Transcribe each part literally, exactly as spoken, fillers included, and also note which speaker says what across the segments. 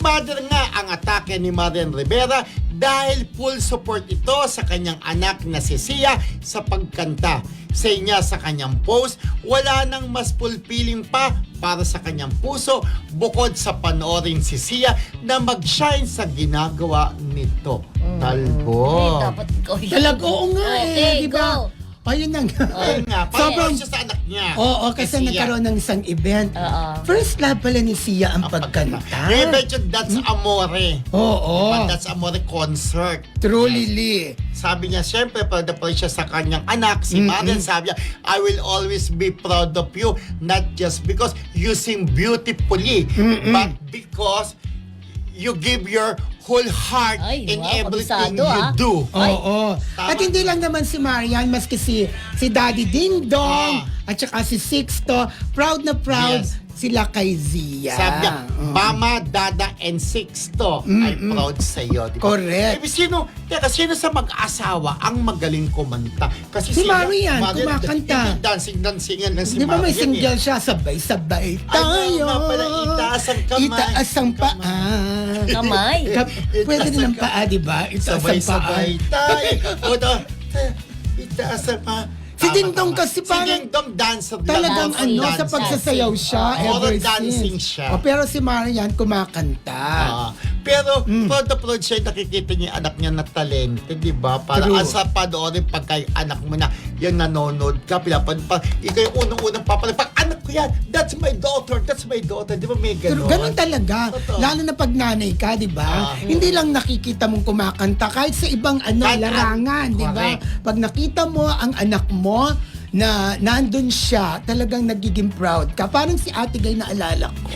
Speaker 1: Mother nga ang atake ni Marian Rivera dahil full support ito sa kanyang anak na si Sia sa pagkanta. Say niya sa kanyang post, wala nang mas fulfilling pa para sa kanyang puso bukod sa panoorin si Sia na mag-shine sa ginagawa nito.
Speaker 2: Mm.
Speaker 1: Talbo.
Speaker 2: Ay, dapat ikaw yun.
Speaker 3: Talaga, oo nga
Speaker 2: Okay,
Speaker 3: eh, di ba?
Speaker 2: go.
Speaker 3: Ayun na nga.
Speaker 1: Ayun nga,
Speaker 3: Sobrang-
Speaker 1: parang siya sa anak niya.
Speaker 3: Oo, kasi
Speaker 1: Si Sia.
Speaker 3: nagkaroon ng isang event.
Speaker 2: Oo.
Speaker 3: First love pala ni Sia ang pagkanta.
Speaker 1: Eh, medyo That's Amore.
Speaker 3: Oo.
Speaker 1: Diba, That's Amore concert.
Speaker 3: Truly, Lee.
Speaker 1: Sabi niya, syempre, proud na proud siya sa kanyang anak, si
Speaker 3: Mm-mm.
Speaker 1: Marian. Sabi niya, I will always be proud of you, not just because you sing beautifully,
Speaker 3: Mm-mm.
Speaker 1: but because you give your whole heart
Speaker 2: Ay,
Speaker 1: in
Speaker 2: wow,
Speaker 1: everything
Speaker 2: kabisado,
Speaker 1: you
Speaker 2: ah.
Speaker 1: do.
Speaker 2: Ay.
Speaker 3: Oo.
Speaker 1: Tama.
Speaker 3: At hindi lang naman si Marian, maski si, si Daddy Ding Dong,
Speaker 1: Ah.
Speaker 3: at saka si Sixto, proud na proud
Speaker 1: Yes.
Speaker 3: sila kay Zia.
Speaker 1: Sabi niya,
Speaker 3: Oo.
Speaker 1: Mama, Dada, and Sixto, I'm
Speaker 3: Mm-mm.
Speaker 1: proud sa iyo. Diba?
Speaker 3: Correct.
Speaker 1: Eh, sino, teka, sino sa mag-asawa ang magaling kumanta? Kasi
Speaker 3: Si
Speaker 1: sila-
Speaker 3: Marian, kumakanta.
Speaker 1: Hindi dancing, dancingan lang si
Speaker 3: Di ba may
Speaker 1: Marian,
Speaker 3: single
Speaker 1: eh.
Speaker 3: siya, sabay-sabay
Speaker 1: Ay,
Speaker 3: tayo.
Speaker 1: nga pala, itaas ang kamay.
Speaker 3: Itaas ang paa.
Speaker 2: Kamay.
Speaker 3: Kap- Pwede din ang paa, di ba? Itaas ang paa.
Speaker 1: Sabay-sabay tayo. O, to, itaas ang paa.
Speaker 3: Si
Speaker 1: Tama,
Speaker 3: Dingdong
Speaker 1: tama.
Speaker 3: kasi parang-
Speaker 1: Si Dingdong dancer.
Speaker 3: Talagang
Speaker 2: Dancing,
Speaker 3: ano, sa
Speaker 2: dancing.
Speaker 3: pagsasayaw siya
Speaker 1: Oo,
Speaker 3: ever
Speaker 1: dancing
Speaker 3: since.
Speaker 1: siya.
Speaker 3: O, pero si Marian kumakanta.
Speaker 1: Ah, pero
Speaker 3: Mm.
Speaker 1: proud na proud siya, nakikita niya yung anak niya na talented, di ba? Para
Speaker 3: True.
Speaker 1: asa panoorin pagka yung anak mo na yung nanonood ka, pinapan pa, ikaw yung unang-unang papalag, pag anak ko yan, that's my daughter, that's my daughter, di ba may
Speaker 3: Pero
Speaker 1: gano'n?
Speaker 3: ganun talaga.
Speaker 1: Totoo.
Speaker 3: Lalo na pag nanay ka, di ba?
Speaker 1: Ah.
Speaker 3: Hindi lang nakikita mong kumakanta kahit sa ibang ano,
Speaker 1: Kahit
Speaker 3: larangan,
Speaker 1: an-
Speaker 3: di ba?
Speaker 1: correct.
Speaker 3: Pag nakita mo ang anak mo na nandun siya, talagang nagiging proud ka. Parang si Ate Gay na alala ko.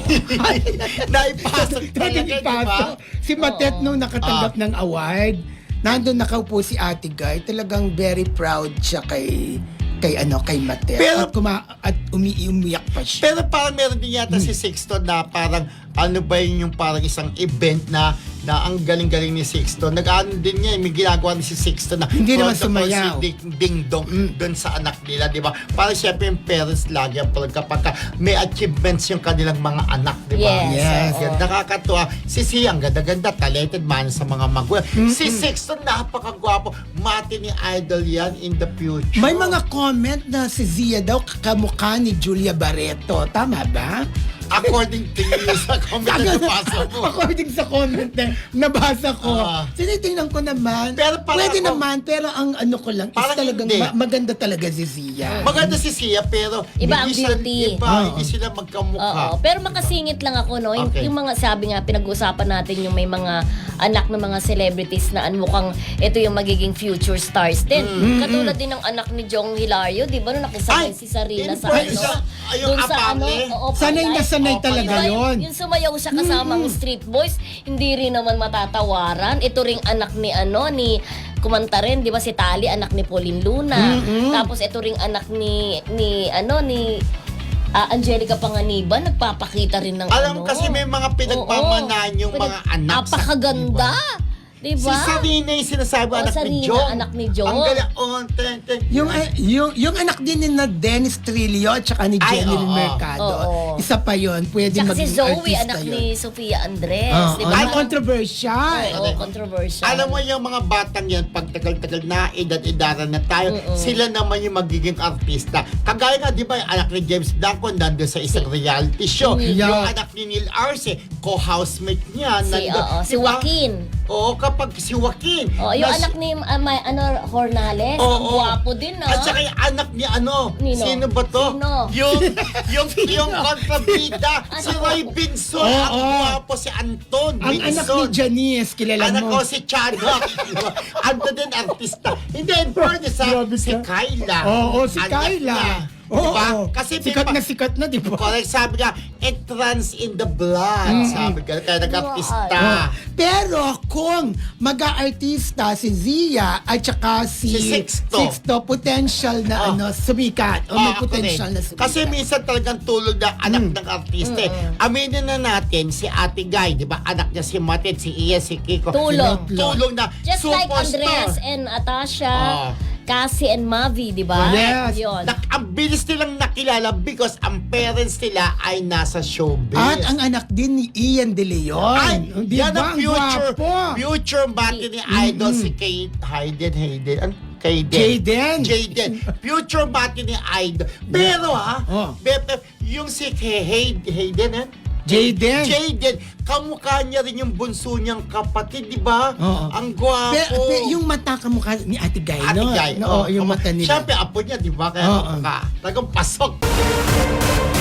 Speaker 1: Naipasok talaga, di ba?
Speaker 3: Ipasok. Si Matet
Speaker 2: Oo.
Speaker 3: nung nakatanggap
Speaker 1: Ah.
Speaker 3: ng award, nandun nakaupo si Ate Gay, talagang very proud siya kay kay ano kay Matet.
Speaker 1: Pero-
Speaker 3: at, kuma- at umi-umiyak pa siya.
Speaker 1: Pero parang meron din yata si Sixto na parang ano ba yun yung parang isang event na na ang galing-galing ni Sixto. Nag-ano din niya, may ginagawa ni si Sixto na
Speaker 3: Hindi naman
Speaker 1: proud na proud
Speaker 3: sumayaw.
Speaker 1: si Ding, Ding Dong
Speaker 3: Mm.
Speaker 1: doon sa anak nila, di ba? Parang syempre yung parents lagi ang proud kapag ka may achievements yung kanilang mga anak, di ba?
Speaker 2: Yes,
Speaker 3: Yes.
Speaker 2: oo.
Speaker 1: Yan, nakakatuwa. Si Sia, ang ganda-ganda, talented man sa mga magulang. Si Sixto, napakagwapo. Mati ni idol yan in the future.
Speaker 3: May mga comment na si Zia daw kamukha ni Julia Barreto. Tama ba?
Speaker 1: According to you sa comment na nabasa mo.
Speaker 3: According sa comment na nabasa ko.
Speaker 1: Ah.
Speaker 3: Tinitingnan ko naman.
Speaker 1: Pero parang
Speaker 3: Pwede
Speaker 1: ako-
Speaker 3: naman, pero ang ano ko lang is
Speaker 1: Parang
Speaker 3: talagang
Speaker 1: hindi.
Speaker 3: ma- maganda talaga si Zia.
Speaker 1: Maganda si Sia, pero
Speaker 2: Iba ang
Speaker 1: hindi sila,
Speaker 2: beauty.
Speaker 1: iba,
Speaker 3: Oo.
Speaker 1: hindi sila magkamukha.
Speaker 2: Oo, pero makasingit lang ako, no? Yung,
Speaker 1: Okay.
Speaker 2: yung mga, sabi nga, pinag-uusapan natin yung may mga anak ng mga celebrities na ano, mukhang ito yung magiging future stars din. Katulad din ng anak ni Jong Hilario, di ba? Nung nakisabay
Speaker 1: Ay,
Speaker 2: si Sarina
Speaker 1: in
Speaker 2: sa
Speaker 1: fact,
Speaker 2: ano?
Speaker 1: sa- ay, yung
Speaker 2: dun sa ano?
Speaker 1: apale.
Speaker 2: Oo,
Speaker 3: Sanay na
Speaker 2: palay.
Speaker 3: sanay
Speaker 1: Oh,
Speaker 3: talaga
Speaker 2: Diba,
Speaker 3: yun.
Speaker 2: yung sumayaw siya kasama ng Street Boys, hindi rin naman matatawaran. Ito ring anak ni ano, ni kumanta rin, di ba si Tali, anak ni Pauline Luna.
Speaker 3: Mm-mm.
Speaker 2: Tapos ito ring anak ni, ni ano, ni ah, Angelica Panganiban, nagpapakita rin ng
Speaker 1: Alam
Speaker 2: ano.
Speaker 1: kasi may mga pinagmamanahan yung
Speaker 2: Oo.
Speaker 1: mga anak sa-
Speaker 2: Napakaganda. Di
Speaker 1: Si
Speaker 2: ba?
Speaker 1: Sarina yung sinasabi,
Speaker 2: Oo,
Speaker 1: anak ni
Speaker 2: Sarina,
Speaker 1: Jong.
Speaker 2: anak ni Jong.
Speaker 1: Ang galing, oh, ten, ten.
Speaker 3: Yung, ah, yung, yung anak din ni na Dennis Trillo at saka ni
Speaker 1: Ay,
Speaker 3: Jenny
Speaker 1: oo.
Speaker 3: Mercado.
Speaker 2: Oo.
Speaker 3: Isa pa yon, pwede
Speaker 2: Tsaka si
Speaker 3: maging
Speaker 2: Zoe,
Speaker 3: artista
Speaker 2: anak
Speaker 3: yun.
Speaker 2: ni Sofia Andres.
Speaker 3: Oo,
Speaker 2: di ba?
Speaker 3: na controversial.
Speaker 2: Oo, controversial.
Speaker 1: Alam mo yung mga batang yan, pag tagal-tagal na, edad-edaran na tayo,
Speaker 2: Mm-mm.
Speaker 1: sila naman yung magiging artista. Kagaya nga, di ba, yung anak ni James Blanco nandun sa isang reality show.
Speaker 2: Mm.
Speaker 1: Yung
Speaker 3: Yeah.
Speaker 1: anak ni Neil Arce, co-housemate niya.
Speaker 2: Si,
Speaker 1: nandun.
Speaker 2: oo, si
Speaker 1: Di ba?
Speaker 2: Joaquin.
Speaker 1: Oo, kapag si Joaquin.
Speaker 2: Oh, yung
Speaker 1: nas-
Speaker 2: anak ni uh, may, ano Hornales,
Speaker 1: Oo.
Speaker 2: ang gwapo din ah.
Speaker 1: At saka yung anak ni ano,
Speaker 2: Nino?
Speaker 1: sino ba to?
Speaker 2: Sino?
Speaker 1: Yung, yung, yung kontrabida, si
Speaker 2: Ano?
Speaker 1: Roy Binson.
Speaker 3: Oo.
Speaker 1: Ang gwapo si Anton
Speaker 3: Ang anak
Speaker 1: Binson.
Speaker 3: ni Janice, kilala
Speaker 1: Anak
Speaker 3: mo.
Speaker 1: ko si Chadok. Ando din artista. Hindi, in fairness ha,
Speaker 3: Grabe
Speaker 1: si
Speaker 3: ka.
Speaker 1: Kyla.
Speaker 3: Oo, si
Speaker 1: Anak
Speaker 3: Kyla.
Speaker 1: niya.
Speaker 3: Oo,
Speaker 1: Diba?
Speaker 3: oo.
Speaker 1: Kasi may
Speaker 3: sikat
Speaker 1: pa-
Speaker 3: na sikat na, di ba?
Speaker 1: Correct, sabi nga, it runs in the blood. Sabi ka, kaya nag-artista.
Speaker 3: Oh. Pero kung mag-aartista si Zia at saka si,
Speaker 1: Si Sixto.
Speaker 3: potential na
Speaker 1: Oh.
Speaker 3: ano, sumikat. O may
Speaker 1: Ah, ako
Speaker 3: potential
Speaker 1: rin.
Speaker 3: na sumikat.
Speaker 1: Kasi minsan talagang tulog na anak
Speaker 3: Mm.
Speaker 1: ng artista. eh. Aminin na natin, si Ate Guy, di ba? Anak niya si Matet, si Iya, si Kiko.
Speaker 2: Tulong.
Speaker 1: Tulong na
Speaker 2: Just like
Speaker 1: superstar.
Speaker 2: Andres and Atasha,
Speaker 1: Ah.
Speaker 2: Cassie and Mavi, di ba?
Speaker 3: Oh, yes.
Speaker 2: Yun.
Speaker 1: Nak- ang bilis nilang nakilala because ang parents nila ay nasa showbiz.
Speaker 3: At ang anak din ni Ian De Leon.
Speaker 1: Ay,
Speaker 3: Di
Speaker 1: yan
Speaker 3: ba?
Speaker 1: ang future,
Speaker 3: gwapo.
Speaker 1: future bati ni Idol si Kate Hayden, Hayden, an Kayden.
Speaker 3: Jaden.
Speaker 1: Jaden. Future bati ni Idol. Pero ha,
Speaker 3: Oh.
Speaker 1: B F F, yung si Kay- Hay- Hayden, ha?
Speaker 3: Jaden.
Speaker 1: Jaden, kamukha niya rin yung bunso niyang kapatid, di ba?
Speaker 3: Oo.
Speaker 1: Ang gwapo.
Speaker 3: Pero, pero yung mata kamukha ni Ate Guy,
Speaker 1: Ate
Speaker 3: no?
Speaker 1: Guy,
Speaker 3: No,
Speaker 1: oh,
Speaker 3: yung
Speaker 1: kamukha-
Speaker 3: mata nila.
Speaker 1: Siyempre, apo niya, di ba? Kaya
Speaker 3: Oo.
Speaker 1: kamukha. Talagang pasok.